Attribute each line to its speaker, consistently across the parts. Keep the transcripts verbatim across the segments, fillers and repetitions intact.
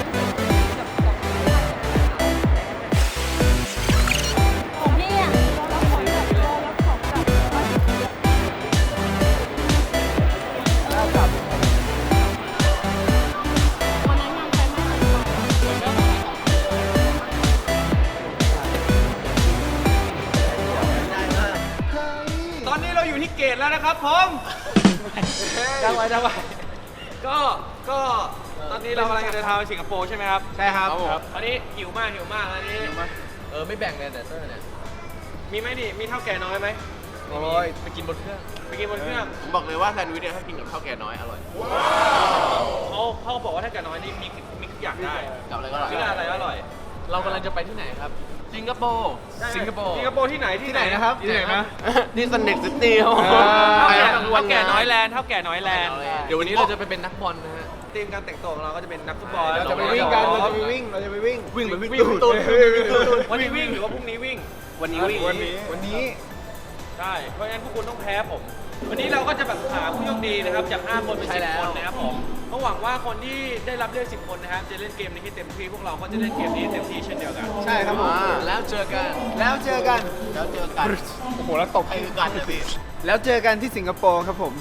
Speaker 1: เกตแล้วนะครับผมได้ไว้ได้ไว้ก็ก็ตอนนี้เรากำลังจะเดินทางไปสิงคโปร์ใช่ไหมครับใช่ครับตอนนี้หิวมากหิวมากตอนนี้
Speaker 2: เออไม่แบ่งเลยแต่เตอร์เนี่ย
Speaker 1: มีไหมดิมีเท่าแก่น้อยไหม
Speaker 2: โอ้ยไปกินบนเครื่อง
Speaker 1: ไปกินบนเครื่อง
Speaker 3: ผมบอกเลยว่าแซนด์วิชเนี่ยถ้ากินกับข้าวแก่น้อยอร่อย
Speaker 1: เขาเขาบอกว่าถ้าแก่น้อยนี่มีมีทุกอย่างได้
Speaker 3: กับอะไรก็อร่อย
Speaker 1: ชื่ออะไรอร่อย
Speaker 2: เรากำลังจะไปที่ไหนครับสิงคโปร์สิงคโปร์
Speaker 1: สิงคโปร์ที่ไหนที่ไหนนะครับ
Speaker 2: ที่ไหนนะ
Speaker 3: ที่ซันเด็กซิตี้ครับ
Speaker 1: เท่าแก่น้อยแลนด์เท่าแก่น้อยแลนด์
Speaker 2: เดี๋ยววันนี้เราจะไปเป็นนักบอลนะฮะ
Speaker 1: ทีมการแต่งตัวของเราก็จะเป็นนักฟุตบอล
Speaker 2: เราจะไปวิ่งกันเราจะไปวิ่งเราจะไปวิ่ง
Speaker 3: วิ่งเหมือนวิ่ง
Speaker 2: ตูด
Speaker 1: วันนี้วิ่งหรือว่าพรุ่งนี้วิ่ง
Speaker 3: วันนี้วิ่ง
Speaker 2: วันนี้วันนี้
Speaker 1: ใช่เพราะฉะนั้นพวกคุณต้องแพ้ผมวันนี้เราก็จะแบบหาผู้โชคดีนะครับจากห้าคนเป็นสิบคนนะครับผมก็หวังว่าคนที่ได้รับเลือกสิบคนนะครับจะเล่นเกมนี้ให้เต็มที่พวกเราก็จะเล่นเกมนี้เต็มที่เช่นเดียวกัน
Speaker 2: ใช่ครับผมแล้วเจอกันแล้วเจอกัน
Speaker 3: แล้วเจอกัน
Speaker 2: โอ้โหแล้วตบ
Speaker 3: ให้กันเลยพี่
Speaker 2: แล้วเจอกันที่สิงคโปร์ครับผม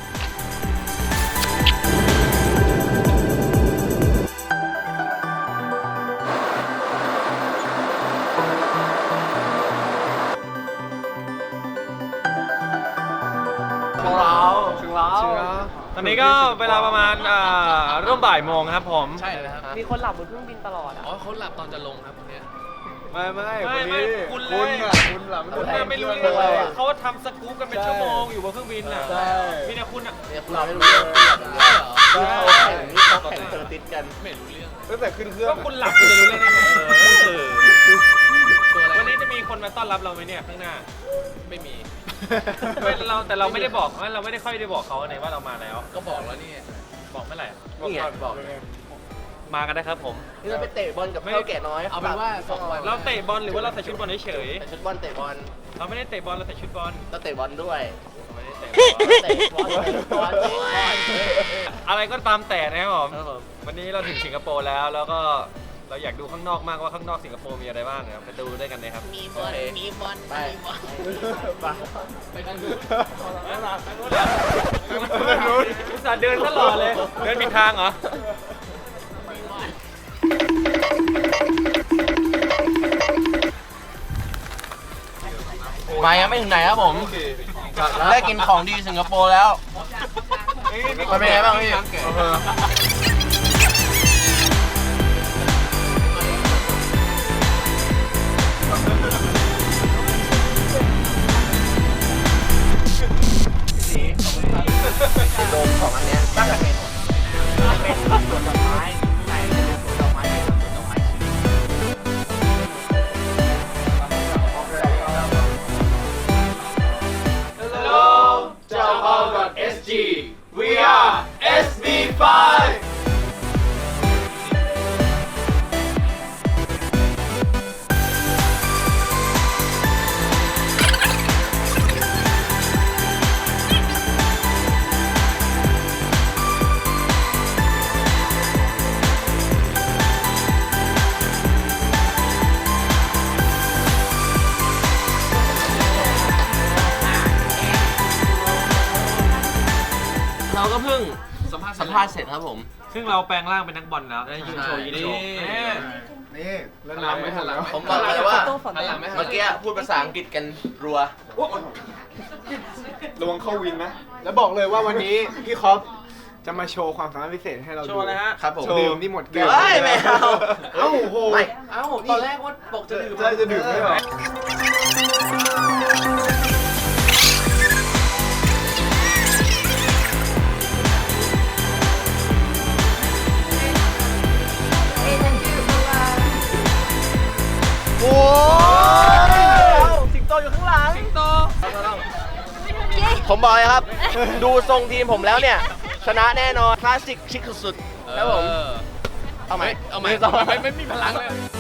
Speaker 1: ตอนนี้ก็เวลาประมาณร่วมบ่ายโมงครับผม
Speaker 2: ใช่เลยครับ
Speaker 4: มีคนหลับบนเครื่องบินตลอดอ่ะ
Speaker 2: อ๋อเขาหลับตอนจะลงครับคนนี้
Speaker 1: ไม่ไม่ไม่ไม่คุณเลย
Speaker 2: คุณอ่ะคุณหลับ
Speaker 1: คุณไม่รู้เลยเขาทำสกู๊ปกันเป็นชั่วโมงอยู่บนเครื่องบินอ่ะมีแต่คุณอ่ะ
Speaker 3: เราไม่รู้เรื่องคือเขาแข่งนี่เขาแข่งเจอติดกัน
Speaker 2: ไม่รู้เรื่อง
Speaker 1: ตั้งแต่ขึ้นเครื่องก็คุณหลับคุณจะรู้เรื่องได้ไงวันนี้จะมีคนมาต้อนรับเราไหมเนี่ยข้างหน้า
Speaker 2: ไม่มี
Speaker 1: เราแต่เราไม่ได้บอกเราไม่ได้ค่อยได้บอกเขาในว่าเรามาแล้ว
Speaker 2: ก็บอกแล้วนี่
Speaker 1: บอกเมื่อไหร่
Speaker 3: นี่ไงบอก
Speaker 1: มากันนะครับผม
Speaker 3: นี่เราไปเตะบอลกับข้าวแก่น้อย
Speaker 2: เอาเป็นว่าสองวัน
Speaker 1: เราเตะบอลหรือว่าเราใส่ชุดบอลเฉย
Speaker 3: ชุดบอลเตะบอล
Speaker 1: เราไม่ได้เตะบอลเราใส่ชุดบอล
Speaker 3: เราเตะบอลด้วย
Speaker 1: เตะบอลอะไรก็ตามแต่นะครับผมวันนี้เราถึงสิงคโปร์แล้วแล้วก็เราอยากดูข้างนอกมากว่าข้างนอกสิงคโปร์มีอะไรบ้างนะครับไปดูด้วยกันเลยครับ
Speaker 3: มีบอลมีบอล
Speaker 1: ไป
Speaker 3: ไปกันดู
Speaker 1: อุตส่าห์เดินตลอดเลยเดินผิดทางเหรอ
Speaker 3: มายังไม่ถึงไหนครับผมได้กินของดีสิงคโปร์แล้วมันเป็นไงบ้างพี่โดมของอันเนี้ยตั้งแต่เป็นเป็นสวนดอกไม้ไหนเป็นสวนดอกไม้เป็นสวนดอกไม้
Speaker 1: Hello เจ้าเปา .sg we are เอส บี ไฟว์
Speaker 3: เราก็เพิ่งสัมภาษณ์สัมภาษณ์เสร็จครับผม
Speaker 1: ซึ่งเราแปลงร่างเป็นนักบอลแล้วได้ยืนโชว์ยืนโชว์
Speaker 2: นี่แล้วน้ำไม่ทันแล้ว
Speaker 3: ผมบอกเลยว่าเมื่อกี้พูดภาษาอังกฤษกันรัว
Speaker 2: ระวังเข้าวินนะแล้วบอกเลยว่าวันนี้พี่คอปจะมาโชว์ความสามารถพิเศษให้เราดู
Speaker 1: โชว์นะฮะ
Speaker 3: ครับผม
Speaker 2: ดื่มนี่หมดแก้ว
Speaker 3: ไม่เอา
Speaker 2: เอ้าโห
Speaker 3: เอ้าตอนแรกว่าบอกจะดื่ม
Speaker 2: จะดื่มไม่หรอ
Speaker 3: โอ้สิงโตอยู่ข้างหลัง
Speaker 1: สิงโต
Speaker 3: ผมบอกเลยครับดูทรงทีมผมแล้วเนี่ยชนะแน่นอนคลาสสิกชิคสุดๆครับผมเอาใหม่
Speaker 2: เอาใหม่ไม่ไม่มีพลังเลย